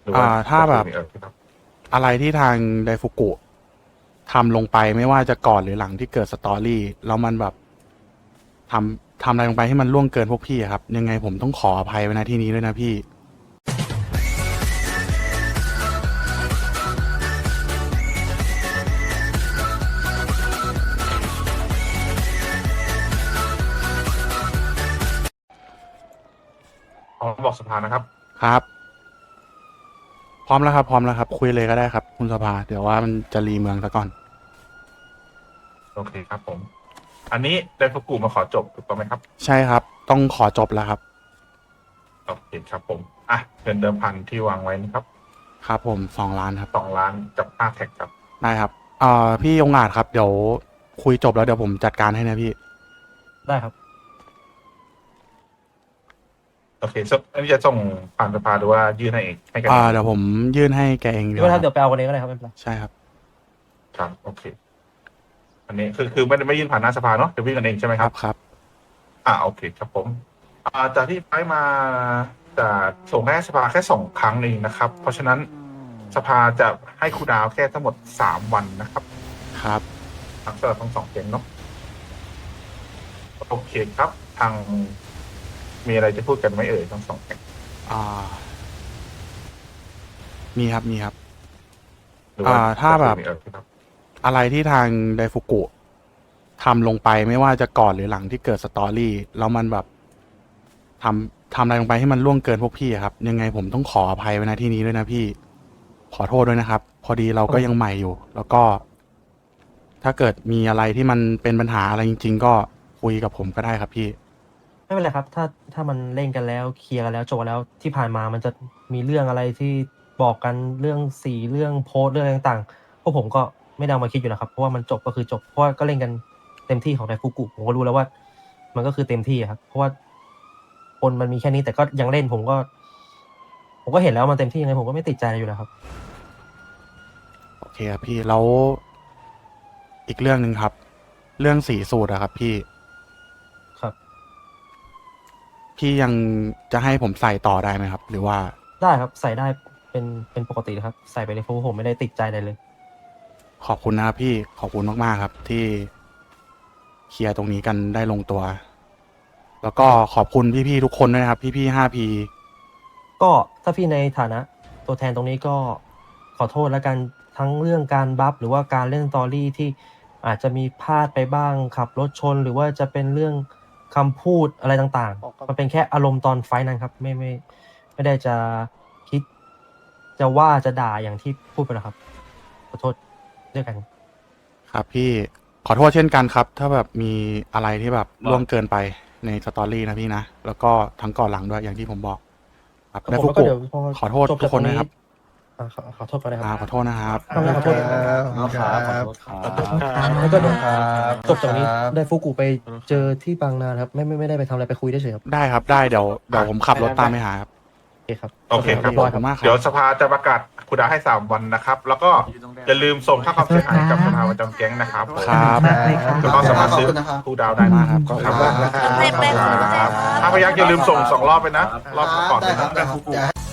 รือว่าถ้าแบบครับอะไรที่ทางไดฟุกุทำลงไปไม่ว่าจะก่อนหรือหลังที่เกิดสตอรี่แล้วมันแบบทำอะไรลงไปให้มันล่วงเกินพวกพี่อะครับยังไงผมต้องขออภัยไว้ณที่นี้ด้วยนะพี่อ๋อบอกสภานะครับครับพร้อมแล้วครับพร้อมแล้วครับคุยเลยก็ได้ครับคุณสภาเดี๋ยวว่ามันจะรีเมืองซะก่อนโอเคครับผมอันนี้ไดฟุกุมาขอจบถูกต้องไหมครับใช่ครับต้องขอจบแล้วครับโอเคครับผมเงินเดิมพันที่วางไว้นะครับครับผม2 ล้านครับ 2 ล้านกับ5 แท็กครับได้ครับพี่องอาจครับเดี๋ยวคุยจบแล้วเดี๋ยวผมจัดการให้นะพี่ได้ครับโอเคอันนี้จะส่งผ่านสภาหรือว่ายื่นให้เองให้กันเดี๋ยวผมยื่นให้แกเองดีกไม่เป็นไรว่าครับเดี๋ยวไปเอากันเองก็ได้ครับไม่เป็นไรใช่ครับครับโอเคอันนี้คือไม่ยื่นผ่านหน้าสภาเนาะเดี๋ยววิ่งกันเองใช่ไหมครับครับโอเคครับผมจากที่ไปมาจะส่งให้สภาแค่2 ครั้งเองนะครับ เพราะฉะนั้นสภาจะให้ครูดาวแค่ทั้งหมด3 วันนะครับครับสำหรับทั้ง2 เกมเนาะโอเคครับทางมีอะไรจะพูดกันไหมเอ่ยทั้ง2 เกมอ่ามีครับมีครับหรือว่าถ้าแบบครับอะไรที่ทางไดฟุกุทำลงไปไม่ว่าจะก่อนหรือหลังที่เกิดสตอรี่แล้วมันแบบทำอะไรลงไปให้มันล่วงเกินพวกพี่อะครับยังไงผมต้องขออภัยไว้ณที่นี้ด้วยนะพี่ขอโทษด้วยนะครับ พอดีเราก็ยังใหม่อยู่ แล้วก็ ถ้าเกิดมีอะไรที่มันเป็นปัญหาอะไรจริงๆก็คุยกับผมก็ได้ครับพี่ไม่เป็นไรครับถ้ามันเล่นกันแล้วเคลียร์กันแล้วจบกันแล้วที่ผ่านมามันจะมีเรื่องอะไรที่บอกกันเรื่องสีเรื่องโพสต์เรื่องอะไรต่างๆพวกผมก็ไม่ได้เอามาคิดอยู่แล้วครับเพราะว่ามันจบก็คือจบเพราะว่าก็เล่นกันเต็มที่ของไดฟุกุผมก็รู้แล้วว่ามันก็คือเต็มที่อะครับเพราะว่าคนมันมีแค่นี้แต่ก็ยังเล่นผมก็เห็นแล้วมันเต็มที่ยังไงผมก็ไม่ติดใจอะไรอยู่แล้วครับโอเคครับพี่แล้วอีกเรื่องหนึ่งครับ เรื่องสีสูตรอะครับพี่ครับพี่ยังจะให้ผมใส่ต่อได้ไหมครับ หรือว่าได้ครับใส่ได้เป็นปกตินะครับใส่ไปเลยเพราะว่าผมไม่ได้ติดใจอะไรเลยขอบคุณนะครับพี่ขอบคุณมากๆครับที่เคลียร์ตรงนี้กันได้ลงตัว แล้วก็ขอบคุณพี่ๆทุกคนด้วยนะครับ พี่ๆ5P ก็ถ้าพี่ในฐานะตัวแทนตรงนี้ก็ขอโทษแล้วกันทั้งเรื่องการบัฟหรือว่าการเล่นสตอรี่ที่อาจจะมีพลาดไปบ้างขับรถชน หรือว่าจะเป็นเรื่องคำพูดอะไรต่างๆมันเป็นแค่อารมณ์ตอนไฟท์นั้นครับไม่ได้จะคิดจะว่าจะด่าอย่างที่พูดไปหรอกครับขอโทษด้วยกันครับพี่ขอโทษเช่นกันครับ ถ้าแบบมีอะไรที่แบบล่วงเกินไปในสตอรี่นะพี่นะ แล้วก็ทั้งก่อนหลังด้วยอย่างที่ผมบอกครับครับผมแล้วก็และฟุกุเดี๋ยวพอขอโทษจบทุกคนนะครับขอโทษก่อนนะครับขอโทษนะครับต้องขอโทษ แล้วก็เดี๋ยวจบจากนี้ได้ฟุกุไปเจอที่บางนาครับไม่ได้ไปทำอะไรไปคุยได้เฉยครับได้ครับได้เดี๋ยวผมขับรถตามไปหาครับโอเคครับโอเคครับขอบคุณมากครับเดี๋ยวสภาจะประกาศครูดาวให้3 วันนะครับ แล้วก็อย่าลืมส่งค่าความเสียหายกับสภาประจำแก๊งนะครับผมครับแล้วก็สามารถซื้อครูดาวได้มากครับก็ครับขอบคุณนะครับถ้าพยักอย่าลืมส่ง2 รอบไปนะ รอบก่อนได้นะครับ